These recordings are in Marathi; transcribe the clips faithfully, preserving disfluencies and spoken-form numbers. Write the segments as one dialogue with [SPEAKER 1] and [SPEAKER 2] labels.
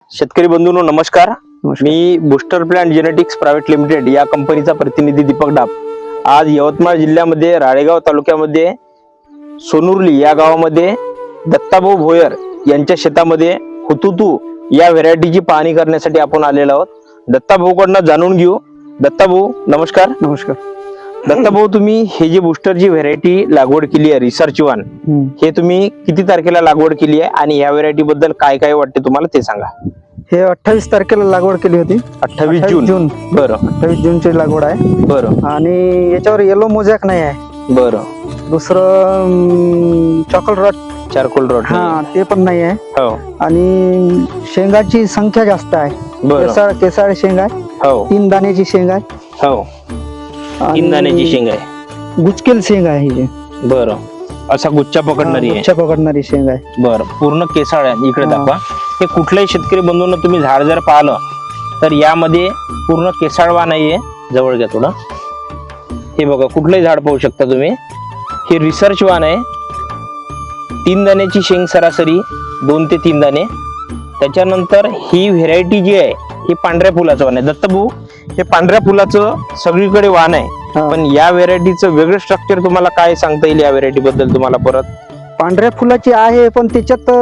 [SPEAKER 1] शेतकरी बंधूंनो नमस्कार. मी booster plant genetics private limited या कंपनीचा प्रतिनिधी दीपक डाप. आज यवतमाळ जिल्ह्यामध्ये राळेगाव तालुक्यामध्ये सोनुर्ली या गावामध्ये दत्ताभाऊ भोयर यांच्या शेतामध्ये हुतुतू या व्हेरायटीची पाहणी करण्यासाठी आपण आलेलो आहोत. दत्ताभाऊकडनं जाणून घेऊ. दत्ताभाऊ नमस्कार.
[SPEAKER 2] नमस्कार.
[SPEAKER 1] दत्ताभाऊ, तुम्ही हे जे बूस्टरची व्हेरायटी लागवड केली आहे रिसर्च वन, हे तुम्ही किती तारखेला लागवड केली आहे आणि या व्हेरायटी बद्दल काय काय वाटते तुम्हाला ते सांगा.
[SPEAKER 2] हे अठ्ठावीस तारखेला लागवड केली होती.
[SPEAKER 1] अठ्ठावीस जून.
[SPEAKER 2] जून
[SPEAKER 1] बरं.
[SPEAKER 2] अठ्ठावीस जूनची लागवड आहे.
[SPEAKER 1] बरं.
[SPEAKER 2] आणि याच्यावर येलो मोजॅक नाही आहे.
[SPEAKER 1] बरं.
[SPEAKER 2] दुसरं चॉकल रॉट
[SPEAKER 1] चारकोल रॉट
[SPEAKER 2] हा ते पण नाही आहे.
[SPEAKER 1] हो.
[SPEAKER 2] आणि शेंगाची संख्या जास्त आहे.
[SPEAKER 1] बरं.
[SPEAKER 2] केसाळ केसाळ शेंग आहे.
[SPEAKER 1] हो.
[SPEAKER 2] तीन दाण्याची शेंग आहे.
[SPEAKER 1] हो. तीन दाण्याची शेंग आहे.
[SPEAKER 2] गुचकेल शेंग आहे ही.
[SPEAKER 1] बरं. असा गुच्छा पकडणारी आहे.
[SPEAKER 2] गुच्छा पकडणारी शेंग आहे.
[SPEAKER 1] बरं. पूर्ण केसाळ आहे. इकडे
[SPEAKER 2] हा.
[SPEAKER 1] दाखवा. हे कुठल्याही शेतकरी बंधूंना तुम्ही झाड जर पाहिलं तर यामध्ये पूर्ण केसाळवा नाहीये. जवळ घ्या थोडं. हे बघा, कुठलंही झाड पाहू शकता तुम्ही. हे रिसर्च वान आहे. तीन दाण्याची शेंग सरासरी दोन ते तीन दाणे. त्याच्यानंतर ही व्हेरायटी जी आहे ही पांढऱ्या फुलाचं वाण आहे. दत्तभाऊ, हे पांढऱ्या फुलाचं सगळीकडे वाण आहे,
[SPEAKER 2] हा.
[SPEAKER 1] पण या व्हेरायटीचं वेगळं स्ट्रक्चर तुम्हाला काय सांगता येईल या व्हेरायटी बद्दल तुम्हाला? परत
[SPEAKER 2] पांढऱ्या फुलाची आहे, पण त्याच्यात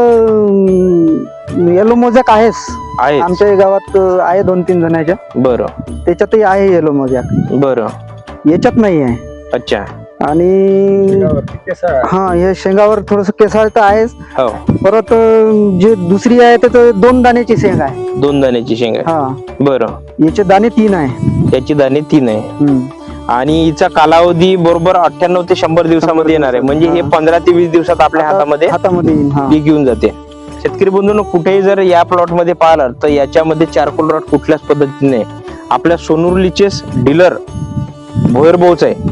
[SPEAKER 2] येलो मोजॅक आहेच.
[SPEAKER 1] आहे
[SPEAKER 2] आमच्या गावात आहे दोन तीन जणांच्या.
[SPEAKER 1] बरं.
[SPEAKER 2] त्याच्यातही आहे येलो मोजॅक.
[SPEAKER 1] बरं.
[SPEAKER 2] याच्यात नाही आहे.
[SPEAKER 1] अच्छा.
[SPEAKER 2] आणि हा हे शेंगावर थोडस केसाळ तर आहेच.
[SPEAKER 1] हो.
[SPEAKER 2] परत अं, जे दुसरी आहे तर दोन दाण्याची शेंग आहे.
[SPEAKER 1] दोन दाण्याची शेंग आहे.
[SPEAKER 2] हा.
[SPEAKER 1] बरं.
[SPEAKER 2] याचे दाणे तीन आहे.
[SPEAKER 1] त्याची दाणे तीन आहे.
[SPEAKER 2] हम्म.
[SPEAKER 1] आणि हिचा कालावधी बरोबर अठ्ठ्याण्णव ते शंभर दिवसामध्ये येणार आहे. म्हणजे हे
[SPEAKER 2] हा.
[SPEAKER 1] पंधरा ते वीस दिवसात आपल्या हातामध्ये
[SPEAKER 2] हातामध्ये येईन. हा.
[SPEAKER 1] पीक येऊन जाते. शेतकरी बंधूंनो, कुठेही जर या प्लॉट मध्ये पाहिलं तर याच्यामध्ये चारकोल रॉट कुठल्याच पद्धतीने आपल्या सोनुर्लीचेच डीलर भोयर भाऊच आहे,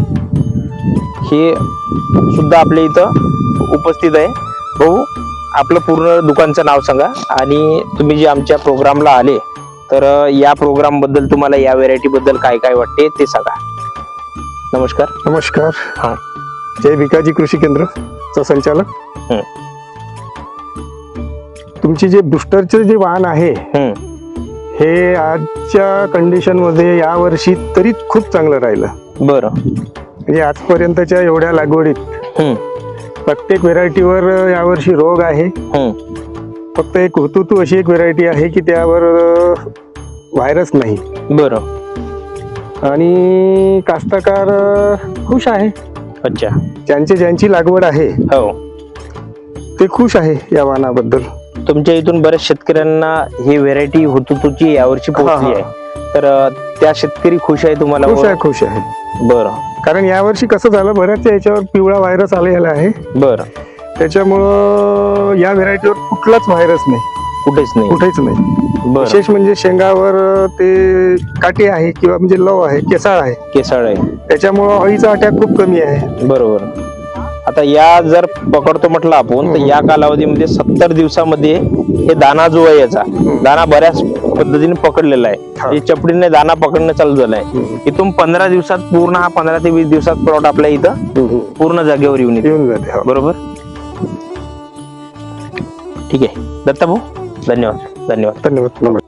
[SPEAKER 1] हे सुद्धा आपल्या इथं उपस्थित आहे. भाऊ, आपलं पूर्ण दुकानचं नाव सांगा आणि तुम्ही जे आमच्या प्रोग्रामला आले तर या प्रोग्राम बद्दल तुम्हाला या व्हेरायटी बद्दल काय काय वाटते ते सांगा. नमस्कार.
[SPEAKER 3] नमस्कार.
[SPEAKER 1] हा.
[SPEAKER 3] जय भिकाजी कृषी केंद्र चा संचालक.
[SPEAKER 1] हं.
[SPEAKER 3] तुमची जे बूस्टरचे जे वाहन आहे
[SPEAKER 1] हं.
[SPEAKER 3] हे आजच्या कंडिशन मध्ये या वर्षी तरी खूप चांगलं राहिलं.
[SPEAKER 1] बरं.
[SPEAKER 3] म्हणजे आजपर्यंतच्या एवढ्या लागवडीत
[SPEAKER 1] हं.
[SPEAKER 3] प्रत्येक व्हेरायटीवर यावर्षी रोग आहे.
[SPEAKER 1] हं.
[SPEAKER 3] फक्त एक हुतुतू अशी एक व्हेरायटी आहे की त्यावर व्हायरस नाही.
[SPEAKER 1] बरं.
[SPEAKER 3] आणि कास्तकार खुश आहे.
[SPEAKER 1] अच्छा.
[SPEAKER 3] ज्यांची ज्यांची लागवड आहे
[SPEAKER 1] हो,
[SPEAKER 3] ते खुश आहे या वाहनाबद्दल.
[SPEAKER 1] तुमच्या इथून बऱ्याच शेतकऱ्यांना ही व्हेरायटी हुतुतूची यावर्षी पोहोचली आहे, तर अ, त्या शेतकरी खुश आहे तुम्हाला?
[SPEAKER 3] खुश आहे. खुश आहे.
[SPEAKER 1] बरं.
[SPEAKER 3] कारण यावर्षी कसं झालं, बऱ्याच याच्यावर पिवळा व्हायरस आलेला आहे.
[SPEAKER 1] बरं.
[SPEAKER 3] त्याच्यामुळं या व्हेरायटीवर कुठलाच व्हायरस नाही.
[SPEAKER 1] कुठेच नाही.
[SPEAKER 3] कुठेच नाही.
[SPEAKER 1] बरं.
[SPEAKER 3] विशेष म्हणजे शेंगावर ते काटे आहे किंवा म्हणजे लव आहे, केसाळ आहे,
[SPEAKER 1] केसाळ आहे.
[SPEAKER 3] त्याच्यामुळं अळीचा अटॅक खूप कमी आहे.
[SPEAKER 1] बरोबर. आता या जर पकडतो म्हटलं आपण तर या कालावधीमध्ये सत्तर दिवसामध्ये हे दाना जो आहे याचा दाना बऱ्याच पद्धतीने पकडलेला आहे.
[SPEAKER 3] हा.
[SPEAKER 1] हे चपडीने दाना पकडणं चालू झालंय. इथून पंधरा दिवसात पूर्ण हा पंधरा ते वीस दिवसात प्लॉट आपल्या इथं पूर्ण जागेवर येऊन येतो.
[SPEAKER 3] येऊन जाते. हो.
[SPEAKER 1] बरोबर. ठीक आहे दत्ताभाऊ, धन्यवाद. धन्यवाद.
[SPEAKER 3] धन्यवाद. नमस्कार.